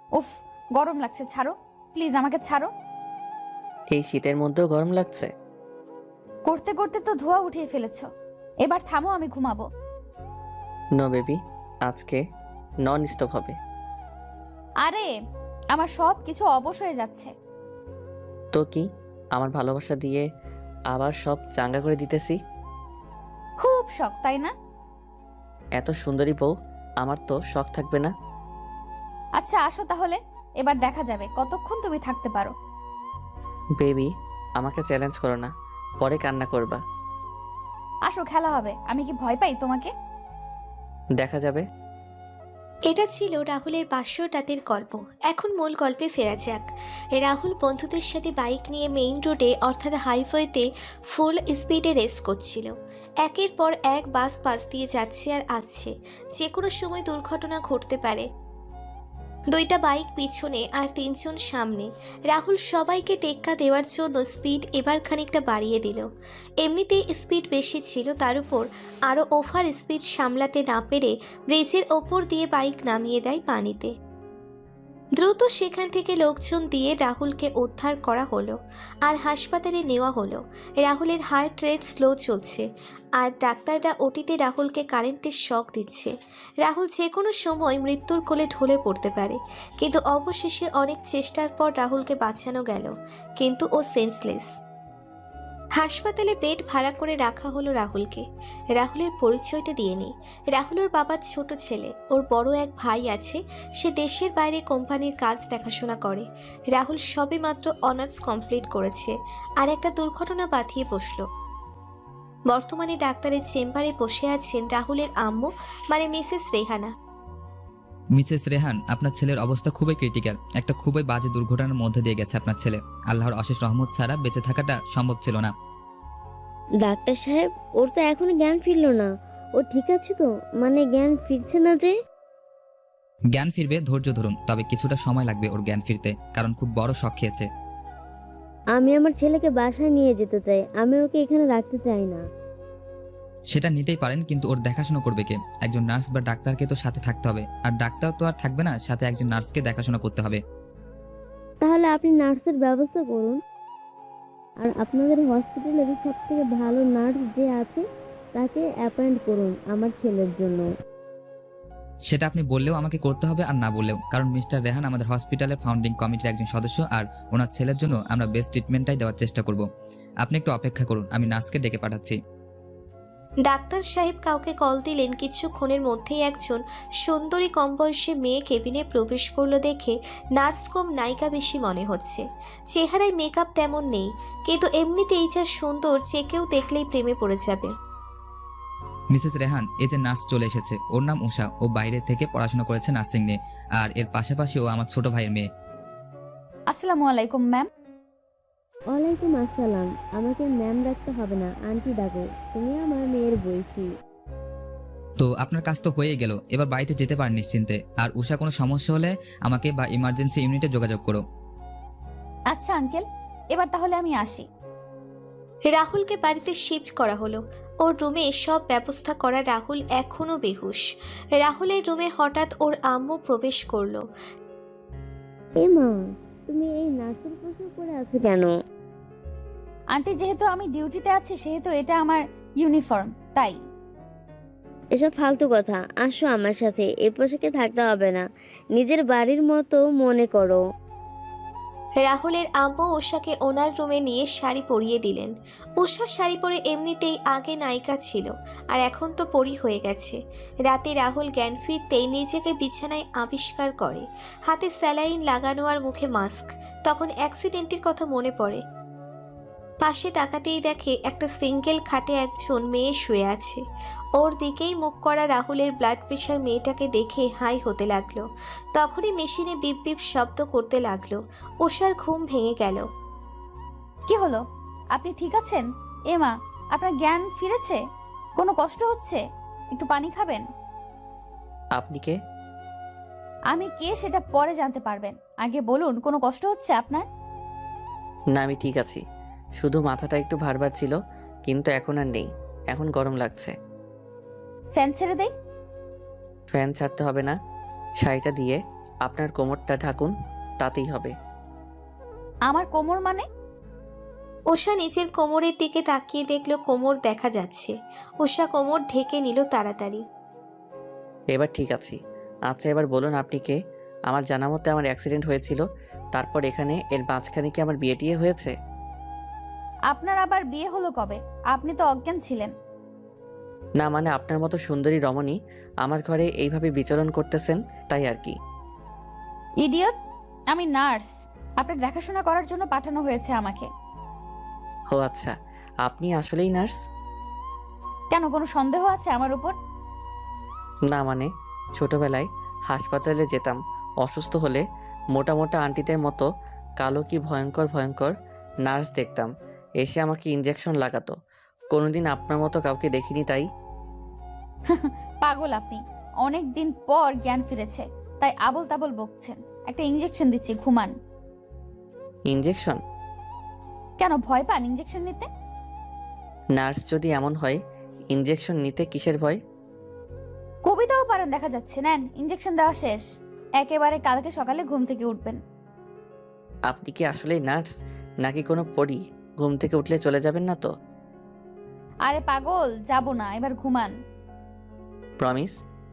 উফ, গরম লাগছে, ছাড়ো প্লিজ, আমাকে ছাড়ো। এই শীতের মধ্যেও গরম লাগছে? করতে করতে তো ধোয়া উঠিয়ে ফেলেছো। এবার থামো, আমি ঘুমাবো। নো বেবি, আজকে নন স্টপ হবে। আরে, আমার সব কিছু অবশ হয়ে যাচ্ছে। তো কি, আমার ভালোবাসা দিয়ে আবার সব চাঙ্গা করে দিতেছি। খুব শখ, তাই না? এত সুন্দরী বউ, আমার তো শখ থাকবে না? আচ্ছা আসো তাহলে, এবার দেখা যাবে কতক্ষণ তুমি থাকতে পারো। বেবি, আমাকে চ্যালেঞ্জ করো না, পরে কান্না করবা। আসো, খেলা হবে। আমি কি ভয় পাই তোমাকে? দেখা যাবে। এটা ছিল রাহুলের বাসর রাতের গল্প। এখন মূল গল্পে ফেরা যাক। রাহুল বন্ধুদের সাথে বাইক নিয়ে মেইন রোডে অর্থাৎ হাইওয়েতে ফুল স্পিডে রেস করছিল। একের পর এক বাস পাশ দিয়ে যাচ্ছে আর আসছে, যে কোনো সময় দুর্ঘটনা ঘটতে পারে। দুইটা বাইক পিছনে আর তিনজন সামনে। রাহুল সবাইকে টেক্কা দেওয়ার জন্য স্পিড এবার খানিকটা বাড়িয়ে দিল। এমনিতেই স্পিড বেশি ছিল, তার উপর আরও ওভার স্পিড সামলাতে না পেরে ব্রিজের ওপর দিয়ে বাইক নামিয়ে দেয় পানিতে। দ্রুত সেখান থেকে লোকজন দিয়ে রাহুলকে উদ্ধার করা হলো আর হাসপাতালে নেওয়া হলো। রাহুলের হার্ট রেট স্লো চলছে আর ডাক্তাররা ওটিতে রাহুলকে কারেন্টের শক দিচ্ছে। রাহুল যে কোনো সময় মৃত্যুর কোলে ঢলে পড়তে পারে, কিন্তু অবশেষে অনেক চেষ্টার পর রাহুলকে বাঁচানো গেল, কিন্তু ও সেন্সলেস। হাসপাতালে বেড ভাড়া করে রাখা হলো রাহুলকে। রাহুলের পরিচয়টা দিয়ে নিই। রাহুল ওর বাবার ছোট ছেলে। ওর বড় এক ভাই আছে, সে দেশের বাইরে কোম্পানির কাজ দেখাশোনা করে। রাহুল সবেমাত্র অনার্স কমপ্লিট করেছে আর একটা দুর্ঘটনা বাঁধিয়ে বসলো। বর্তমানে ডাক্তারের চেম্বারে বসে আছেন রাহুলের আম্মু, মানে মিসেস রেহানা। মিসেস রেহান, আপনার ছেলের অবস্থা খুবই ক্রিটিক্যাল। একটা খুবই বাজে দুর্ঘটনার মধ্যে দিয়ে গেছে আপনার ছেলে। আল্লাহর অশেষ রহমত ছাড়া বেঁচে থাকাটা সম্ভব ছিল না। ডাক্তার সাহেব, ওর তো এখনো জ্ঞান ফিরলো না। ও ঠিক আছে তো? মানে জ্ঞান ফিরছে না যে? জ্ঞান ফিরবে, ধৈর্য ধরুন, তবে কিছুটা সময় লাগবে ওর জ্ঞান ফিরতে, কারণ খুব বড় শক খেয়েছে। আমি আমার ছেলেকে বাসায় নিয়ে যেতে চাই, আমি ওকে এখানে রাখতে চাই না। সেটা নিতেই পারেন, কিন্তু ওর দেখাশোনা করবে কে? একজন নার্স বা ডাক্তারকে তো সাথে থাকতে হবে, আর ডাক্তার তো আর থাকবে না, সাথে একজন নার্সকে দেখাশোনা করতে হবে। তাহলে আপনি নার্সের ব্যবস্থা করুন। আর আপনাদের হসপিটালের সব থেকে ভালো নার্স যে আছে তাকে অ্যাপয়েন্ট করুন আমার ছেলের জন্য। সেটা আপনি বললেও আমাকে করতে হবে, আর না বললেও, কারণ মিস্টার রেহান আমাদের হসপিটালের ফাউন্ডিং কমিটির একজন সদস্য, আর ওনার ছেলের জন্য আমরা বেস্ট ট্রিটমেন্টটাই দেওয়ার চেষ্টা করব। আপনি একটু অপেক্ষা করুন, আমি নার্সকে ডেকে পাঠাচ্ছি। ডাক্তার সাহেব কাউকে কল দিলেন। কিছুক্ষণের মধ্যেই একজন সুন্দরী কম বয়সী মেয়ে কেবিনে প্রবেশ করলো দেখে নার্স কম নায়িকা বেশি মনে হচ্ছে। চেহারায় মেকআপ তেমন নেই, কিন্তু এমনিতেই যা সুন্দর, যে কেউ দেখলেই প্রেমে পড়ে যাবে। মিসেস রেহান, এই যে নার্স চলে এসেছে, ওর নাম উষা। ও বাইরে থেকে পড়াশোনা করেছে নার্সিং নিয়ে, আর এর পাশাপাশি ও আমার ছোট ভাইয়ের মেয়ে। আসসালামু আলাইকুম ম্যাম। ওয়ালাইকুম আসসালাম। আমাকে ম্যাম ডাকতে হবে না, আন্টি ডাকো। তুমি আমার মেয়ের বয়সী। তো আপনার কাজ তো হয়ে গেল, এবার বাড়িতে যেতে পারেন নিশ্চিন্তে। আর উষা, কোনো সমস্যা হলে আমাকে বা ইমার্জেন্সি ইউনিটে যোগাযোগ করো। আচ্ছা আঙ্কেল, এবার তাহলে আমি আসি। রাহুলকে বাড়িতে শিফট করা হলো। ওর রুমে সব ব্যবস্থা করা। রাহুল এখনো বেহুশ। রাহুলের রুমে হঠাৎ ওর আম্মু প্রবেশ করলো। এ মা, তুমি এই নার্সের পোশাক পরে আছো কেন? আন্টি, যেহেতু আমি ডিউটিতে আছি সেহেতু এটা আমার ইউনিফর্ম, তাই। এসব ফালতু কথা। আসো আমার সাথে, এ পোশাকে থাকতে হবে না, নিজের বাড়ির মতো মনে করো। রাহুলের আম্মু উষাকে ওনার রুমে নিয়ে শাড়ি পরিয়ে দিলেন। উষা শাড়ি পরে এমনিতেই আগে নায়িকা ছিল, আর এখন তো পরি হয়ে গেছে। রাতে রাহুল জ্ঞান ফিরতেই নিজেকে বিছানায় আবিষ্কার করে, হাতে স্যালাইন লাগানো আর মুখে মাস্ক। তখন অ্যাক্সিডেন্টের কথা মনে পড়ে। পাশে তাকাতেই দেখে একটা সিঙ্গেল খাটে একজন মেয়ে শুয়ে আছে। ওর দিকেই মুখ করা রাহুলের ব্লাড প্রেশার মেয়েটাকে দেখে হাই হতে লাগলো। তখনই মেশিনে বিপ বিপ শব্দ করতে লাগলো। উষার ঘুম ভেঙে গেল। কি হলো? আপনি ঠিক আছেন? এমা, আপনার জ্ঞান ফিরেছে? কোনো কষ্ট হচ্ছে? একটু পানি খাবেন? আপনি কে? আমি কে সেটা পরে জানতে পারবেন, আগে বলুন কোনো কষ্ট হচ্ছে আপনার? না, আমি ঠিক আছি, শুধু মাথাটা একটু ভারবার ছিল, কিন্তু এখন আর নেই। এখন গরম লাগছে। ফ্যান ছেড়ে দেই? ফ্যান ছাড়তে হবে না, শাড়িটা দিয়ে আপনার কোমরটা ঢাকুন, তাতেই হবে। আমার কোমর মানে? ওষা নিজের কোমরের দিকে তাকিয়ে দেখলো কোমর দেখা যাচ্ছে। ওষা কোমর ঢেকে নিল তাড়াতাড়ি। এবার ঠিক আছি। আচ্ছা, এবার বলুন আপনি কে? আমার জানা মতে আমার অ্যাক্সিডেন্ট হয়েছিল, তারপর এখানে এর মাঝখানে কি আমার বিয়ে টিয়ে হয়েছে? আপনার আবার বিয়ে হলো কবে? আপনি তো অজ্ঞান ছিলেন। না মানে আপনার মতো সুন্দরী রমণী আমার ঘরে এইভাবে বিচরণ করতেছেন, তাই আর কি। ইডিয়ট, আমি নার্স। আপনার দেখাশোনা করার জন্য পাঠানো হয়েছে আমাকে। ও আচ্ছা, আপনি আসলেই নার্স? কেন, কোনো সন্দেহ আছে আমার উপর? না মানে ছোটবেলায় হাসপাতালে যেতাম, অসুস্থ হলে মোটা মোটা আন্টিদের মতো কালো কি ভয়ঙ্কর ভয়ঙ্কর নার্স দেখতাম, এসে আমাকে ইঞ্জেকশন লাগাতো। কোনোদিন আপনার মতো কাউকে দেখিনি তাই। পাগল আপনি। অনেক দিন পর জ্ঞান ফিরেছে, তাই আবল তাবল বকছেন। একটা ইঞ্জেকশন দিচ্ছি, ঘুমান। ইঞ্জেকশন? কেন ভয় পান ইঞ্জেকশন নিতে? নার্স যদি এমন হয়, ইঞ্জেকশন নিতে কিসের ভয়? কবিতাও পারেন দেখা যাচ্ছে। নেন, ইঞ্জেকশন দেওয়া শেষ। একেবারে কালকে সকালে ঘুম থেকে উঠবেন। আপনি কি আসলেই নার্স নাকি কোনো পরী? ঘুম থেকে উঠলে চলে যাবেন না তো? আরে পাগল, যাব না, এবার ঘুমান। প্রমিস?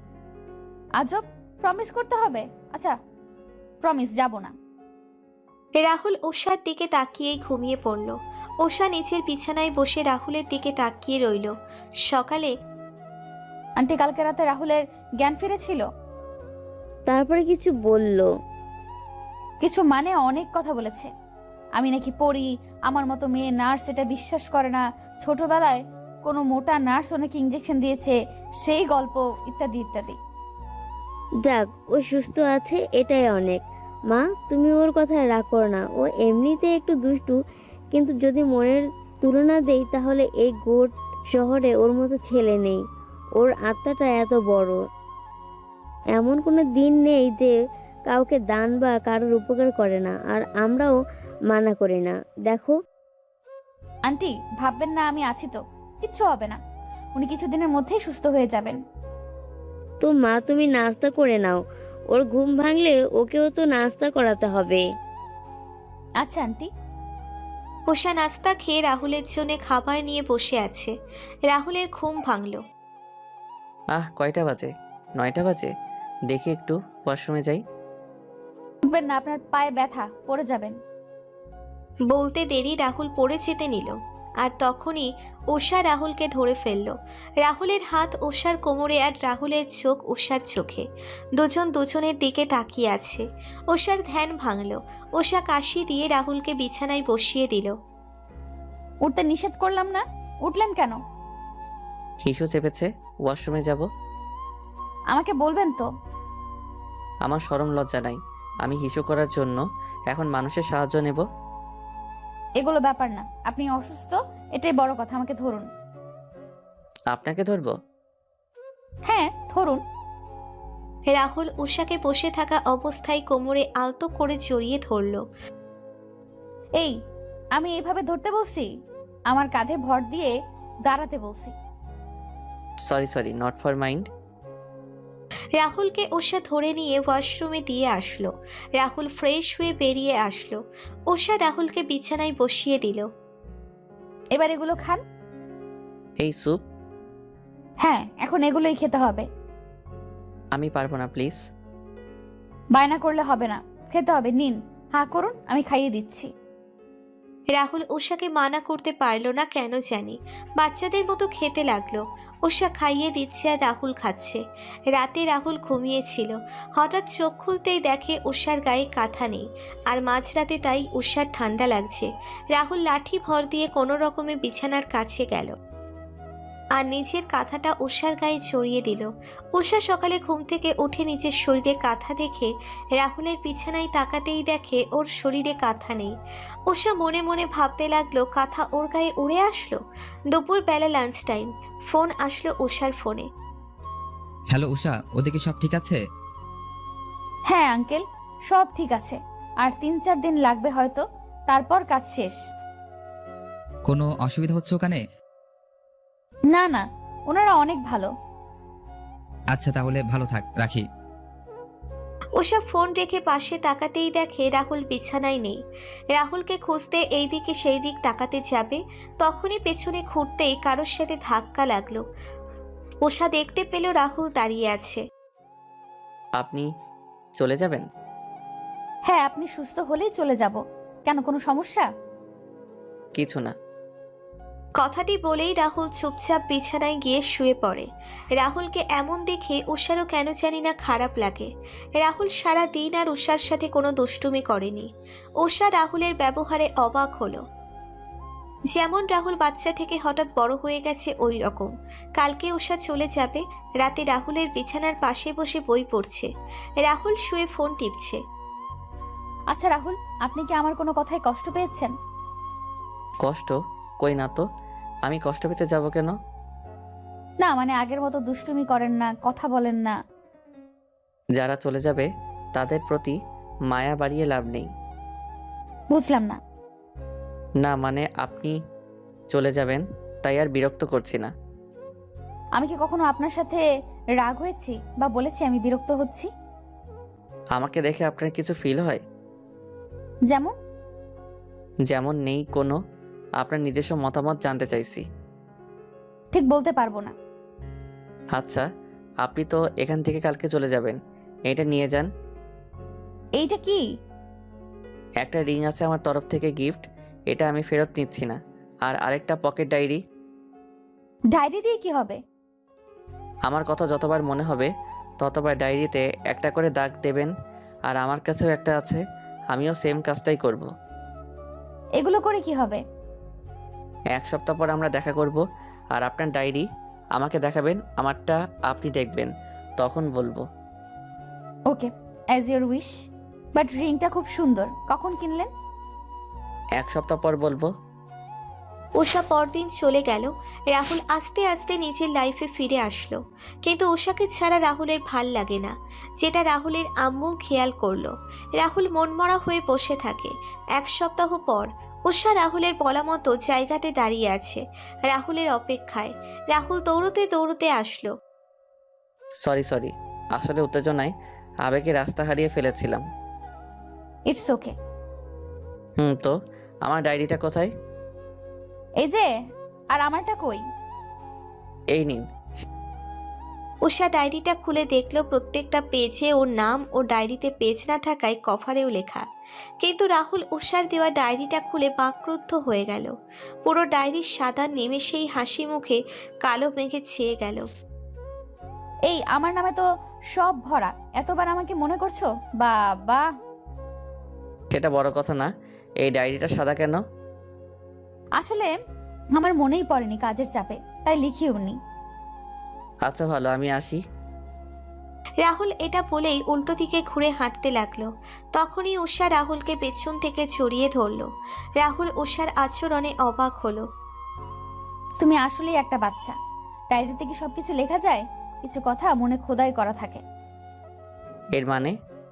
আজব, প্রমিস করতে হবে? আচ্ছা, প্রমিস, যাব না। রাহুল ওষার দিকে তাকিয়েই ঘুমিয়ে পড়ল। ওষা নিচের বিছানায় বসে রাহুলের দিকে তাকিয়ে রইল। সকালে আন্টি, কালকে রাতে রাহুলের জ্ঞান ফিরেছিল? তারপরে কিছু বলল? কিছু মানে অনেক কথা বলেছে। আমি নাকি পড়ি, আমার মতো মেয়ে নার্স এটা বিশ্বাস করে না, ছোটবেলায় কোনো মোটা নার্স ওনাকে ইঞ্জেকশন দিয়েছে, সেই গল্প, ইত্যাদি ইত্যাদি। যাক, ও সুস্থ আছে, এটাই অনেক। মা, তুমি ওর কথায় রাগ করো না। ও এমনিতে একটু দুষ্টু, কিন্তু যদি মনের তুলনা দেই তাহলে এই গোট শহরে ওর মতো ছেলে নেই। ওর আত্মাটা এত বড়। এমন কোনো দিন নেই যে কাউকে দান বা কারোর উপকার করে না, আর আমরাও মানা করি না। দেখো, আন্টি, ভাববেন না, আমি আছি তো, কিচ্ছু হবে না। উনি কিছুদিনের মধ্যেই সুস্থ হয়ে যাবেন। তো মা, তুমি নাস্তা করে নাও। ওর ঘুম ভাঙলে ওকেও তো নাস্তা করাতে হবে। আচ্ছা আন্টি। ওষা নাস্তা খেয়ে রাহুলের জন্য খাবার নিয়ে বসে আছে। রাহুলের ঘুম ভাঙল। কয়টা বাজে? 9টা বাজে। দেখি একটু ওয়াশরুমে যাই। উঠবেন না, আপনার পায়ে ব্যথা, পড়ে যাবেন। বলতে দেরি রাহুল পড়ে যেতে নিল, আর তখনই ওষা রাহুলকে ধরে ফেলল। রাহুলের হাত ওষার কোমরে, আর রাহুলের চোখ ওষার চোখে। দুজন দুজনের দিকে তাকিয়ে আছে। ওষার ধ্যান ভাঙল। ওষা কাশি দিয়ে রাহুলকে বিছানায় বসিয়ে দিল। উঠতে নিষেধ করলাম না, উঠলেন কেন? হিসু চেপেছে, ওয়াশরুমে যাব। আমাকে বলবেন তো। আমার শরম লজ্জা নাই, আমি হিসু করার জন্য এখন মানুষের সাহায্য নেব? এগুলো ব্যাপার না, আপনি অসুস্থ, এটাই বড় কথা। আমাকে ধরুন। আপনাকে ধরবো? হ্যাঁ, ধরুন। রাহুল উষাকে বসে থাকা অবস্থায় কোমরে আলতো করে জড়িয়ে ধরল। এই, আমি এইভাবে ধরতে বলছি? আমার কাঁধে ভর দিয়ে দাঁড়াতে বলছি। Sorry, not for mind. রাহুলকে ওষা ধরে নিয়ে ওয়াশরুমে দিয়ে আসলো। রাহুল ফ্রেশ হয়ে বেরিয়ে আসলো। ওষা রাহুলকে বিছানায় বসিয়ে দিল। এবার এগুলো খান। এই স্যুপ? হ্যাঁ, এখন এগুলোই খেতে হবে। আমি পারবো না, প্লিজ। বায়না করলে হবে না, খেতে হবে। নিন, হাঁ করুন, আমি খাইয়ে দিচ্ছি। রাহুল ওষাকে মানা করতে পারল না কেন জানি। বাচ্চাদের মতো খেতে লাগলো। ওষা খাইয়ে দিচ্ছে আর রাহুল খাচ্ছে। রাতে রাহুল ঘুমিয়েছিল। হঠাৎ চোখ খুলতেই দেখে ওষার গায়ে কাঁথা নেই, আর মাঝরাতে তাই ওষার ঠান্ডা লাগছে। রাহুল লাঠি ভর দিয়ে কোনো রকমে বিছানার কাছে গেল আর নিজের কাঁথাটা ওষার গায়ে জড়িয়ে দিল। ওষা সকালে ঘুম থেকে উঠে নিজের শরীরে কাঁথা দেখে রাহুলের বিছানায় তাকাতেই দেখে ওর শরীরে কাঁথা নেই। ওষা মনে মনে ভাবতে লাগলো কাঁথা ওর গায়ে উড়ে আসলো। দুপুরবেলা লাঞ্চ টাইম, ফোন আসলো ওষার ফোনে। হ্যালো উষা, ওদিকে সব ঠিক আছে? হ্যাঁ আঙ্কেল, সব ঠিক আছে। আর 3-4 দিন লাগবে হয়তো, তারপর কাজ শেষ। কোনো অসুবিধা হচ্ছে ওখানে? না না, ওনারা অনেক ভালো। আচ্ছা, তাহলে ভালো থাক, রাখি। উষা ফোন রেখে পাশে তাকাতেই দেখে রাহুল বিছানায় নেই। রাহুলকে খুঁজতে এই দিকে সেই দিক তাকাতে যাবে, তখনই পেছনে ঘুরতেই কারোর সাথে ধাক্কা লাগলো। উষা দেখতে পেল রাহুল দাঁড়িয়ে আছে। আপনি চলে যাবেন? হ্যাঁ, আপনি সুস্থ হলেই চলে যাব। কেন, কোনো সমস্যা? কিছু না। কথাটি বলেই রাহুল চুপচাপ বিছানায় গিয়ে শুয়ে পড়ে। রাহুলকে এমন দেখে উষারও কেন জানি না খারাপ লাগে। রাহুল সারা দিন আর উষার সাথে কোনো দুষ্টুমি করেনি। উষা রাহুলের ব্যবহারে অবাক হলো। যেমন রাহুল বাচ্চা থেকে হঠাৎ বড় হয়ে গেছে ওই রকম। কালকে উষা চলে যাবে। রাতে রাহুলের বিছানার পাশে বসে বই পড়ছে, রাহুল শুয়ে ফোন টিপছে। আচ্ছা রাহুল, আপনি কি আমার কোনো কথায় কষ্ট পেয়েছেন? কষ্ট? কই না তো। আমি কষ্ট পেতে যাব কেন? না মানে আগের মতো দুষ্টুমি করেন না, কথা বলেন না। যারা চলে যাবে তাদের প্রতি মায়া বাড়িয়ে লাভ নেই। বুঝলাম না। না মানে আপনি চলে যাবেন তাই আর বিরক্ত করছি না। আমি কি কখনো আপনার সাথে রাগ হয়েছি বা বলেছি আমি বিরক্ত হচ্ছি? আমাকে দেখে আপনার কিছু ফিল হয়? যেমন? যেমন নেই কোনো। আপনার নিজস্ব মতামত জানতে চাইছি। ঠিক বলতে পারবো না। আচ্ছা, আপনি তো এখান থেকে কালকে চলে যাবেন, এটা নিয়ে যান। এইটা কি? একটা রিং আছে আমার তরফ থেকে গিফট, এটা আমি ফেরত নিচ্ছি না। আর আরেকটা পকেট ডায়েরি। ডায়েরি দিয়ে কি হবে? আমার কথা যতবার মনে হবে ততবার ডায়েরিতে একটা করে দাগ দেবেন। আর আমার কাছেও একটা আছে, আমিও সেম কাজটাই করব। এগুলো করে কি হবে? 1 সপ্তাহ পর আমরা দেখা করব, আর আপনার ডায়েরি আমাকে দেখাবেন, আমারটা আপনি দেখবেন, তখন বলবো। Okay, as your wish. But রিংটা খুব সুন্দর, কখন কিনলেন? 1 সপ্তাহ পর বলবো। উষা পরদিন চলে গেল। রাহুল আস্তে আস্তে নিজের লাইফে ফিরে আসলো, কিন্তু উষাকে ছাড়া রাহুলের ভাল লাগে না, যেটা রাহুলের আম্মু খেয়াল করলো। রাহুল মনমরা হয়ে বসে থাকে। 1 সপ্তাহ পর উষা রাহুলের বলা মতো জায়গাতে দাঁড়িয়ে আছে, রাহুলের অপেক্ষায়। রাহুল দৌড়তে দৌড়তে আসলো। সরি, আসলে উত্তেজনায় আবেগে রাস্তা হারিয়ে ফেলেছিলাম। It's okay. তো আমার ডায়েরিটা কোথায়? এই যে, আর আমারটা কই? এই নিন। উষা ডায়েরিটা খুলে দেখলো প্রত্যেকটা পেজে ওর নাম, ও ডায়েরিতে পেজ না থাকায় কভারেও লেখা। কিন্তু রাহুল উষার দেওয়া ডায়েরিটা খুলে বাকরুদ্ধ হয়ে গেল। পুরো ডায়েরির সাদা নিমেষেই হাসি মুখে কালো মেঘে ছেয়ে গেল। এই আমার নামে তো সব ভরা, এতবার আমাকে মনে করছো? বাবা! সেটা বড় কথা না, এই ডায়েরিটা সাদা কেন? আসলে আমার মনেই পড়েনি কাজের চাপে, তাই লিখিও নি। আচ্ছা ভালো, আমি আসি। রাহুল এটা বলেই উল্টো দিকে ঘুরে হাঁটতে লাগলো। তখনই উষা রাহুলকে পেছন থেকে জড়িয়ে ধরলো। রাহুল উষার আচরণে অবাক হলো। তুমি আসলেই একটা বাচ্চা। ডায়েরিতে কি সবকিছু লেখা যায়? কিছু কথা মনে খোদাই করা থাকে। এর মানে?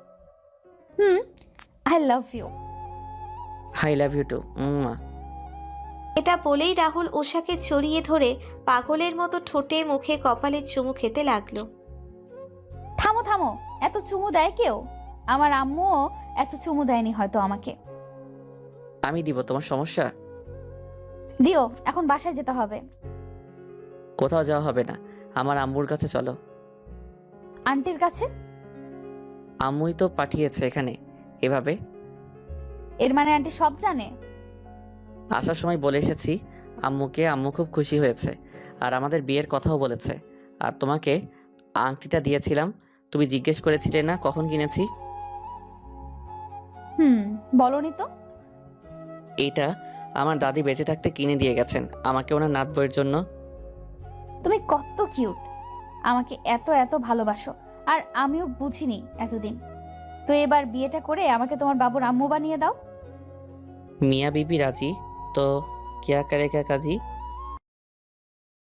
I love you. I love you too. এটা বলেই রাহুল উষাকে জড়িয়ে ধরে পাগলের মতো ঠোঁটে মুখে কপালে চুমু খেতে লাগলো। থামো থামো, এত চুমু দেয় কেউ? আমার আম্মুও এত চুমু দেয়নি হয়তো আমাকে। আমি দিব, তোমার সমস্যা? দিও, এখন বাসায় যেতে হবে। কোথাও যাওয়া হবে না, আমার আম্মুর কাছে চলো। আন্টির কাছে? আম্মুই তো পাঠিয়েছে এখানে এভাবে। এর মানে আন্টি সব জানে? আসার সময় বলে এসেছি আম্মুকে, আম্মু খুব খুশি হয়েছে আর আমাদের বিয়ের কথাও বলেছে। আর তোমাকে আংটিটা দিয়েছিলাম, তুমি জিজ্ঞেস করেছিলে না কখন কিনেছি। বলনি তো। এইটা আমার দাদি বেঁচে থাকতে কিনে দিয়ে গেছেন আমাকে ওনার নাত বউয়ের জন্য। তুমি কত কিউট, আমাকে এত এত ভালোবাসো, আর আমিও বুঝিনি এতদিন। তো এবার বিয়েটা করে আমাকে তোমার বাবুর আম্মু বানিয়ে দাও। মিয়া বিবি রাজি তো, কিয়া করেগা কাজী।